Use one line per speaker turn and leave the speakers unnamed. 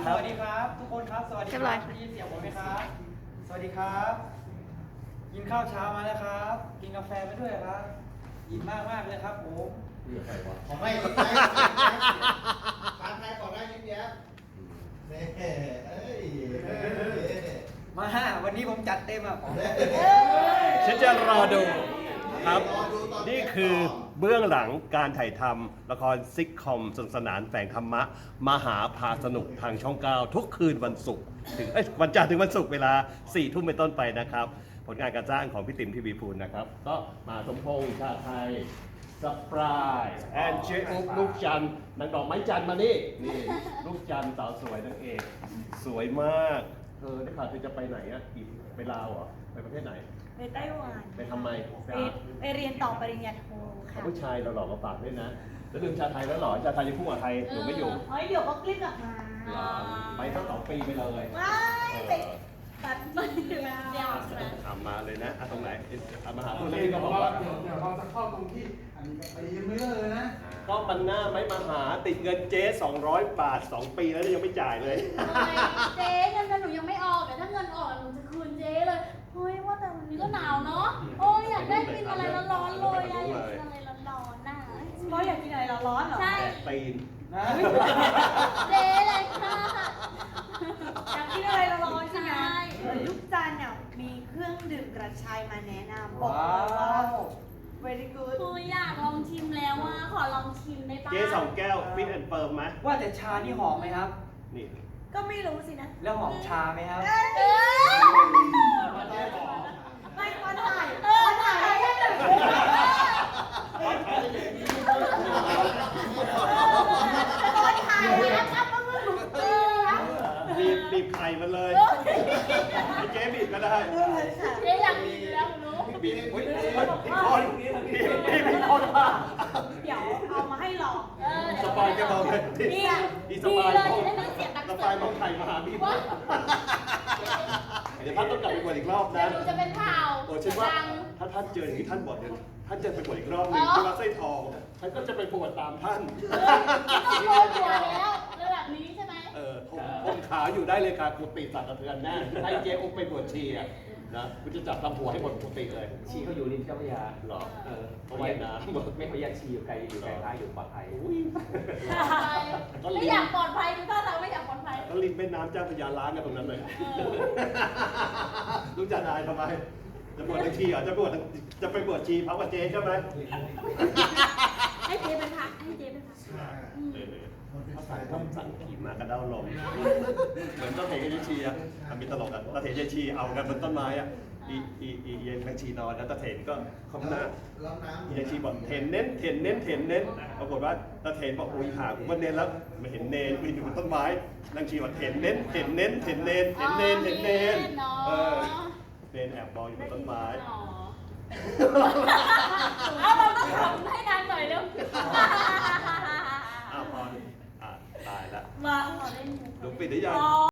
สวัสดีครับทุกคนครับสวัสดีครับได้ยินเสียงผมไหมครับสวัสดีครับกินข้าวเช้ามาแล้วครับกินกาแฟไปด้วยครับอิ่มมากเลยครับผม
ของไม่ยิ้มแย้มทานไทยก่อนได้ยิ้มแย้มนี่
มาวันนี้ผมจัดเต็มอ่ะผม
ฉันจะรอดูครับ นี่คือเบื้องหลังการถ่ายทำละครซิทคอมสนุกสนานแฝงธรรมะมหาพาสนุกทางช่อง 9 ทุกคืนวันศุกร์ถึงวันจันทร์ถึงวันศุกร์เวลา 4 ทุ่มเป็นต้นไปนะครับ ผลงานการสร้างของพี่ติ๋มทีวีพูลนะครับ ก็มาสมพงษ์ชาไทยสปรายแอนเจอุ๊บลูกจันทร์นางดอกไม้จันทร์มานี่ลูกจันทร์สาวสวยนางเอกสวยมากเธอได้ข่าวเธอจะไปไหนอ่ะอีกไปลาวเหรอไปประเทศไหน
ไปไต้หวัน
ไปทำไม
ไปเรียนต่อปริญญาโทค่ะ
ผู้ชายเราหล่อมาฝากด้วยนะแล้วลืมชาไทยแล้วหรอชาไทยยังพุ่งกับไทยอยู่ไม่อยู่
เดี๋ยวก็คลิปกลับมา
ไปตั้ง2 ปีไปเลย
ว้ายไปตัดมันเดียว
ทำมาเลยนะตรงไหนมาหา
คุ
คุณ ณ
เล
เลย ย
ก็
ก็
บบ อ
อก ก
ว่า
ว่า
เดี๋ยวเราจะเข้าตรงที่อันนี้ก็ตีไม่เลิกเลยนะ
ก็ปันหน้าไม่มาหาติดเงินเจ๊200 บาท 2 ปีแล้วยังไม่จ่ายเลย
เจ๊เงินหนูยังไม่ออกแต่ถ้าเงินออกหนูจะคืนเจ๊เลยเฮ้ยว่าแต่วันนี้ก็หนาวเนาะโอ้ยอยากได้กินอะไรร้อนๆเลยอะอยากกินอะไรร้อนๆน่ะ
เพราะอยากกินอะไรร้อนๆเหรอ
ใช่
ตีน
นะ
เจ๊เลยค่ะ
อยากกินอะไรร้อนๆใช่ไหมลูกจันทร์เนี่ยมีเครื่องดื่มกระชายมาแนะนำบอกเลยว่า very good
คืออยากลองชิมแล้วว่าขอลองชิมได้ปะ
เจ๊2 แก้วฟิตแอนด์เฟิร์มไหม
ว่าแต่ชานี่หอมไหมครับ
นี่
ก็ไม่รู้สินะ
แล้วหอมชาไหมครับ
ไม่ควรถ่ายควรถ่ายให้หนึ่งควรถ่ายนะครับก็คือหนูเตือน
บีบไข่มันเลยให้เจ๊บีบก็ได้
เจ๊อยากกินแล้วหนู
บีบอุ้ยผิดคนผิดคนป่ะ
เดี๋ยวเอามาให้ลอง
สปายจะบอกเลย
ดีเลยจะได้ไม่เสียตังค์
สปายมองไข่มาหาบีบเดี๋ยวท่านต้องกลับไปบวชอีกรอบนะ
หนูจะเป็นข่าว
โอ้ฉันว่าถ้าท่านเจออย่างนี้ท่านบวชเนี่ยท่านจะไปบวชอีกรอบหนึงที่วัดไส้ทองท่านก็จะไปบวชตามท่าน
ต้องโกนหัวแล้วระดับนี้ใช่ไหม
ผมขาอยู่ได้เลยค่ะกุฏิสั่นสะเทือนแน่ให้เจ๊อุ๊บไปบวชชีอะนะกูจะจับทำหัวให้หมดกุฏิเลย
ชีเขาอยู่ริมเจ้าพระยา
หรอ
เขาว่ายน้ำไม่เขาแยกชีอยู่ไกลท้ายอยู่ปลอดภัย
ไม่อยากปลอดภัยดูท่าทางไม่อยากปลอดภัย
ก็ริมแม่น้ำเจ้าพระยาล้างกันตรงนั้นเลยรู้จักนายทำไมจะบวชในชีเหรอจะไปบวชชีพระกับเจ๊ใช่ไหม
ให้เจ๊เป็นพระให้เจ๊เป็นพระ
เขาถ่ายทำสั่งขี่มากระเด้าลมเหมือนต้นเหตุกับชีอะมีตลกอะตะเถนยายชีเอากันบนต้นไม้อะเย็นแมงชีนอนแล้วตะเถนก็คำหน้า
รับน้ำ
ยายชีบอกเห็นเน้นปรากฏว่าตะเถนบอกอุ้ยหากูว่าเน้นแล้วไม่เห็นเน้นอยู่บนต้นไม้นางชีบอกเห็นเน้นเน้นเน้นแอบมองอยู่บนต้นไม้
เอาเราต้องทำให้นานหน่อยเร็ว
อ้าวพอตายละ
มา
ลุงปิดได้ยัง